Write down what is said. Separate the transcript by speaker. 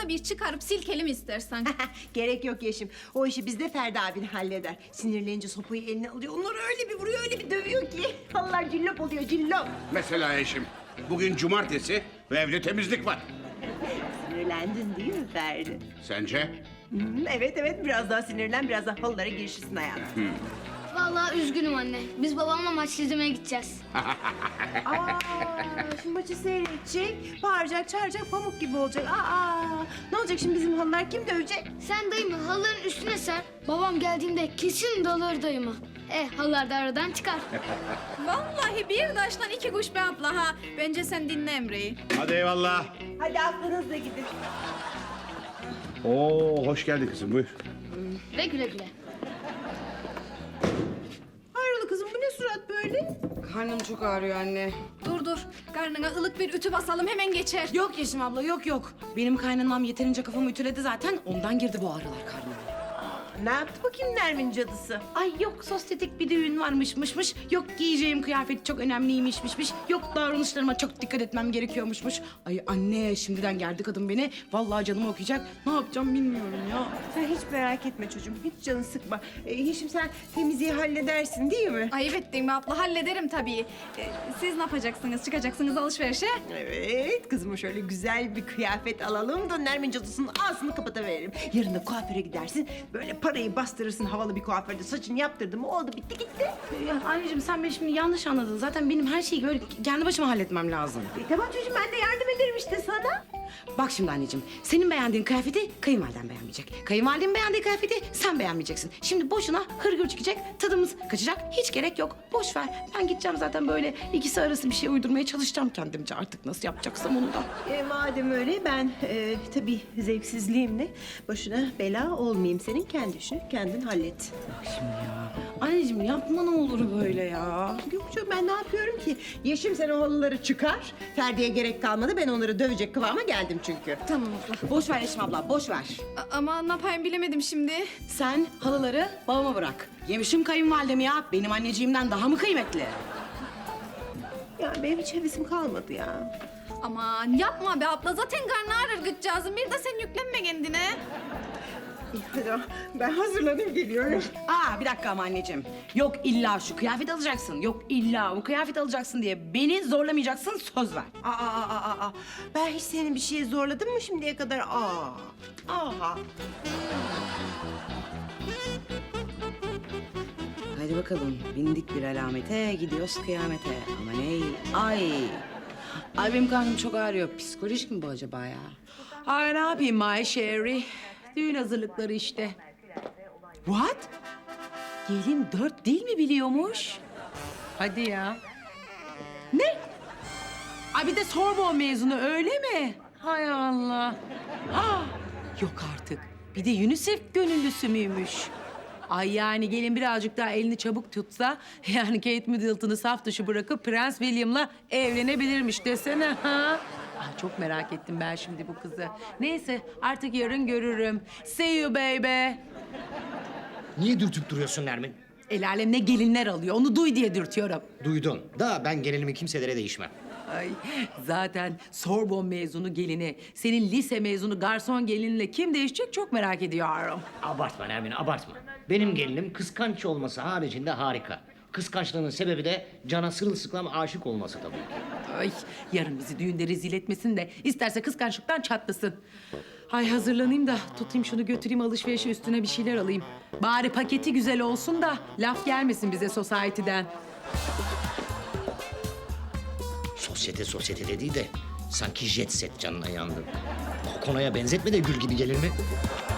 Speaker 1: da bir çıkarıp silkelim istersen.
Speaker 2: Gerek yok Yeşim. O işi bizde Ferdi abin halleder. Sinirlenince sopayı eline alıyor. Onları öyle bir vuruyor, öyle bir dövüyor ki. Allah cillop oluyor, cillop.
Speaker 3: Mesela eşim, bugün cumartesi ve evde temizlik var.
Speaker 2: Sinirlendin değil mi Ferdi?
Speaker 3: Sence?
Speaker 2: Evet, biraz daha sinirlen, biraz daha halılara girişirsin hayatım.
Speaker 4: Vallahi üzgünüm anne. Biz babamla maç izlemeye gideceğiz.
Speaker 2: Şimdi maçı seyredecek, bağıracak, çağıracak, pamuk gibi olacak. Ne olacak şimdi bizim halılar kim dövecek?
Speaker 4: Sen dayımı halıların üstüne ser. Babam geldiğinde kesin dalır dayımı. Halılar da aradan çıkar.
Speaker 1: Vallahi bir taştan iki kuş be abla ha. Bence sen dinle Emre'yi.
Speaker 3: Hadi eyvallah.
Speaker 2: Hadi aklınızla gidin.
Speaker 3: Oo, hoş geldin kızım, buyur.
Speaker 4: Ve güle güle.
Speaker 2: Hayrola kızım, bu ne surat böyle?
Speaker 5: Karnım çok ağrıyor anne.
Speaker 1: Dur. Karnına ılık bir ütü basalım hemen geçer.
Speaker 5: Yok Yeşim abla yok. Benim kaynanam yeterince kafamı ütüledi zaten. Ondan girdi bu ağrılar karnıma.
Speaker 2: Ne yaptı bakayım Nermin cadısı?
Speaker 5: Ay yok sosyetik bir düğün varmışmış. Yok giyeceğim kıyafet çok önemliymişmiş. Yok davranışlarıma çok dikkat etmem gerekiyormuşmuş. Ay anne şimdiden geldi kadın beni. Vallahi canımı okuyacak. Ne yapacağım bilmiyorum ya.
Speaker 2: Sen hiç merak etme çocuğum, hiç canını sıkma. Yeşim sen temizliği halledersin değil mi?
Speaker 1: Ayıp ettin mi abla? Hallederim tabii. Siz ne yapacaksınız? Çıkacaksınız alışverişe?
Speaker 2: Evet, kızıma şöyle güzel bir kıyafet alalım da Nermin cadısının ağzını kapatıveririm. Yarın da kuaföre gidersin, böyle parayı bastırırsın havalı bir kuaförde, saçını yaptırdın mı oldu bitti gitti.
Speaker 5: Ya anneciğim sen beni şimdi yanlış anladın. Zaten benim her şeyi böyle kendi başıma halletmem lazım.
Speaker 2: Tamam çocuğum, ben de yardım ederim işte sana.
Speaker 5: Bak şimdi anneciğim, senin beğendiğin kıyafeti kayınvaliden beğenmeyecek. Kayınvalidenin beğendiği kıyafeti sen beğenmeyeceksin. Şimdi boşuna hırgür çıkacak, tadımız kaçacak. Hiç gerek yok. Boş ver. Ben gideceğim zaten böyle ikisi arası bir şey uydurmaya çalışacağım kendimce. Artık nasıl yapacaksam onu da.
Speaker 2: Madem öyle ben tabii zevksizliğimle başına bela olmayayım senin, kendi işini kendin hallet.
Speaker 5: Şimdi ya. Anneciğim yapma ne olur böyle ya.
Speaker 2: Yok canım, ben ne yapıyorum ki? Yeşim sen o halıları çıkar. Ferdi'ye gerek kalmadı, ben onları dövecek kıvama geldim çünkü.
Speaker 1: Tamam abla.
Speaker 5: Boş ver Yeşim abla, boş ver.
Speaker 1: Ama ne yapayım bilemedim şimdi.
Speaker 5: Sen halıları babama bırak. Yemişim kayınvalidemi ya. Benim anneciğimden daha mı kıymetli?
Speaker 2: Ya benim hiç hevesim kalmadı ya.
Speaker 1: Aman yapma be abla. Zaten karnı ağrır gıccağızın. Bir de sen yüklenme kendine.
Speaker 2: İyi, hadi ben hazırlanayım geliyorum.
Speaker 5: Bir dakika ama anneciğim. Yok illa şu kıyafet alacaksın. Yok illa bu kıyafet alacaksın diye beni zorlamayacaksın, söz ver.
Speaker 2: Ben hiç senin bir şeye zorladım mı şimdiye kadar?
Speaker 5: Hadi bakalım bindik bir alamete, gidiyoruz kıyamete. Ama ney? Ay. Ay benim karnım çok ağrıyor. Psikolojik mi bu acaba ya? Ay ne yapayım my Sherry? Düğün hazırlıkları işte. What? Gelin 4 dil mi biliyormuş? Hadi ya. Ne? Ay bir de Sorbonne mezunu öyle mi? Hay Allah. Yok artık. Bir de UNICEF gönüllüsü müymüş? Ay yani gelin birazcık daha elini çabuk tutsa... yani Kate Middleton'ı saf dışı bırakıp Prens William'la evlenebilirmiş desene ha. Çok merak ettim ben şimdi bu kızı. Neyse artık yarın görürüm. See you baby.
Speaker 6: Niye dürtüp duruyorsun Nermin?
Speaker 5: El alem ne gelinler alıyor onu duy diye dürtüyorum.
Speaker 6: Duydun. Da ben gelinimi kimselere değişmem.
Speaker 5: Ay zaten Sorbonne mezunu gelini, senin lise mezunu garson gelinle kim değişecek çok merak ediyorum.
Speaker 6: Abartma Nermin, abartma. Benim gelinim kıskanç olması haricinde harika. Kıskançlığının sebebi de cana sırılsıklam aşık olması tabii ki.
Speaker 5: Ay yarın bizi düğünde rezil etmesin de isterse kıskançlıktan çatlasın. Ay hazırlanayım da tutayım şunu götüreyim alışverişe üstüne bir şeyler alayım. Bari paketi güzel olsun da laf gelmesin bize society'den.
Speaker 6: Sosyete dediği de sanki jet set canına yandı. Kokonaya benzetme de gül gibi gelir mi?